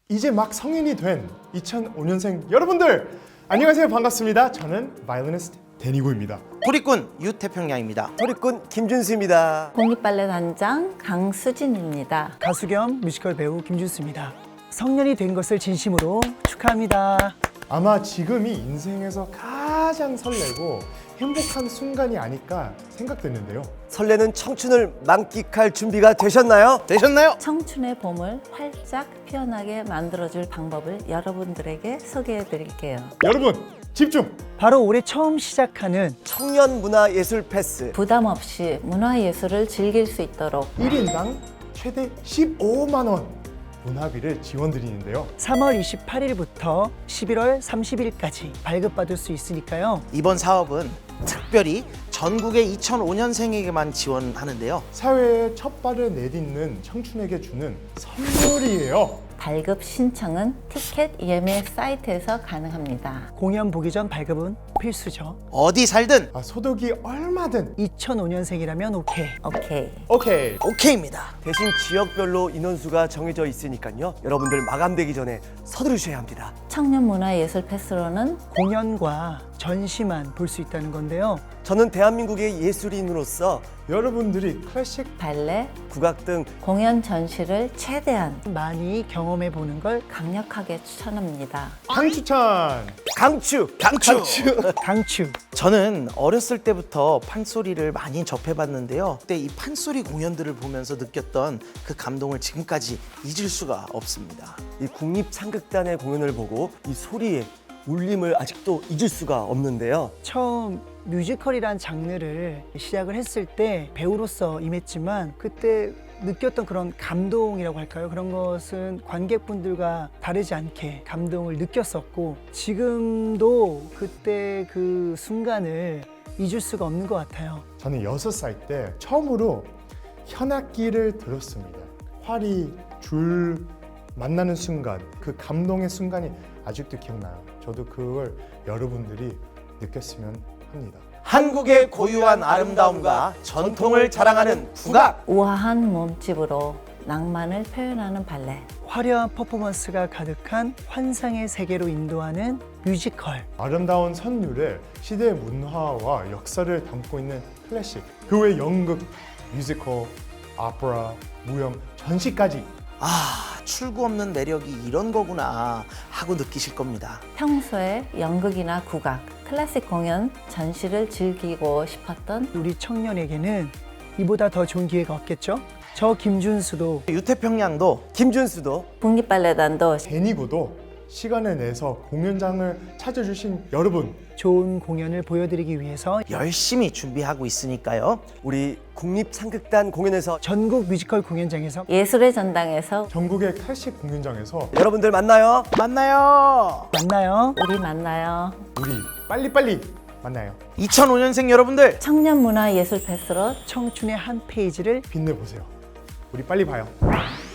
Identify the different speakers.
Speaker 1: 이제 막 성인이 된 2005년생 여러분들 안녕하세요. 반갑습니다. 저는 바이올리니스트 데니고입니다.
Speaker 2: 소리꾼 유태평양입니다.
Speaker 3: 소리꾼 김준수입니다.
Speaker 4: 공깃발레 단장 강수진입니다.
Speaker 5: 가수 겸 뮤지컬 배우 김준수입니다. 성년이 된 것을 진심으로 축하합니다.
Speaker 1: 아마 지금이 인생에서 가장 설레고 행복한 순간이 아닐까 생각되는데요.
Speaker 3: 설레는 청춘을 만끽할 준비가 되셨나요?
Speaker 4: 청춘의 봄을 활짝 피어나게 만들어줄 방법을 여러분들에게 소개해 드릴게요.
Speaker 1: 여러분 집중!
Speaker 5: 바로 올해 처음 시작하는
Speaker 3: 청년 문화예술 패스.
Speaker 4: 부담 없이 문화예술을 즐길 수 있도록
Speaker 1: 1인당 최대 15만 원 문화비를 지원드리는데요.
Speaker 5: 3월 28일부터 11월 30일까지 발급받을 수 있으니까요.
Speaker 2: 이번 사업은 특별히 전국의 2005년생에게만 지원하는데요.
Speaker 1: 사회의 첫 발을 내딛는 청춘에게 주는 선물이에요.
Speaker 4: 발급 신청은 티켓 예매 사이트에서 가능합니다.
Speaker 5: 공연 보기 전 발급은 필수죠.
Speaker 2: 어디 살든
Speaker 1: 소득이 얼마든
Speaker 5: 2005년생이라면 오케이.
Speaker 4: 오케이.
Speaker 1: 오케이.
Speaker 2: 오케이입니다.
Speaker 3: 대신 지역별로 인원수가 정해져 있으니까요. 여러분들 마감되기 전에 서두르셔야 합니다.
Speaker 4: 청년 문화예술 패스로는
Speaker 5: 공연과 전시만 볼 수 있다는 건데요.
Speaker 3: 저는 대한민국의 예술인으로서
Speaker 1: 여러분들이 클래식
Speaker 3: 발레,
Speaker 4: 발레,
Speaker 3: 국악 등
Speaker 4: 공연 전시를 최대한
Speaker 5: 많이 경험해 보는 걸
Speaker 4: 강력하게 추천합니다.
Speaker 1: 강추천!
Speaker 3: 강추!
Speaker 5: 강추.
Speaker 2: 저는 어렸을 때부터 판소리를 많이 접해봤는데요. 그때 이 판소리 공연들을 보면서 느꼈던 그 감동을 지금까지 잊을 수가 없습니다.
Speaker 3: 이 국립창극단의 공연을 보고 이 소리의 울림을 아직도 잊을 수가 없는데요.
Speaker 5: 처음 뮤지컬이란 장르를 시작을 했을 때 배우로서 임했지만 그때 느꼈던 그런 감동이라고 할까요? 그런 것은 관객분들과 다르지 않게 감동을 느꼈었고 지금도 그때 그 순간을 잊을 수가 없는 것 같아요.
Speaker 1: 저는 6살 때 처음으로 현악기를 들었습니다. 활이 줄 만나는 순간, 그 감동의 순간이 아직도 기억나요. 저도 그걸 여러분들이 느꼈으면 합니다.
Speaker 2: 한국의 고유한 아름다움과 전통을 자랑하는 국악!
Speaker 4: 우아한 몸집으로 낭만을 표현하는 발레.
Speaker 5: 화려한 퍼포먼스가 가득한 환상의 세계로 인도하는 뮤지컬.
Speaker 1: 아름다운 선율에 시대의 문화와 역사를 담고 있는 클래식, 그 외 연극, 뮤지컬, 오페라, 무용, 전시까지
Speaker 2: 출구 없는 매력이 이런 거구나 하고 느끼실 겁니다.
Speaker 4: 평소에 연극이나 국악, 클래식 공연, 전시를 즐기고 싶었던
Speaker 5: 우리 청년에게는 이보다 더 좋은 기회가 없겠죠? 저 김준수도
Speaker 2: 유태평양도
Speaker 3: 김준수도
Speaker 4: 국립발레단도
Speaker 1: 데니고도 시간을 내서 공연장을 찾아주신 여러분,
Speaker 5: 좋은 공연을 보여드리기 위해서
Speaker 2: 열심히 준비하고 있으니까요.
Speaker 3: 우리 국립창극단 공연에서
Speaker 5: 전국 뮤지컬 공연장에서
Speaker 4: 예술의 전당에서
Speaker 1: 전국의 클래식 공연장에서
Speaker 3: 여러분들 만나요.
Speaker 2: 만나요.
Speaker 5: 만나요.
Speaker 4: 우리 만나요.
Speaker 1: 우리 빨리빨리 만나요.
Speaker 2: 2005년생 여러분들
Speaker 4: 청년 문화 예술 패스로
Speaker 5: 청춘의 한 페이지를
Speaker 1: 빛내보세요. 우리 빨리 봐요.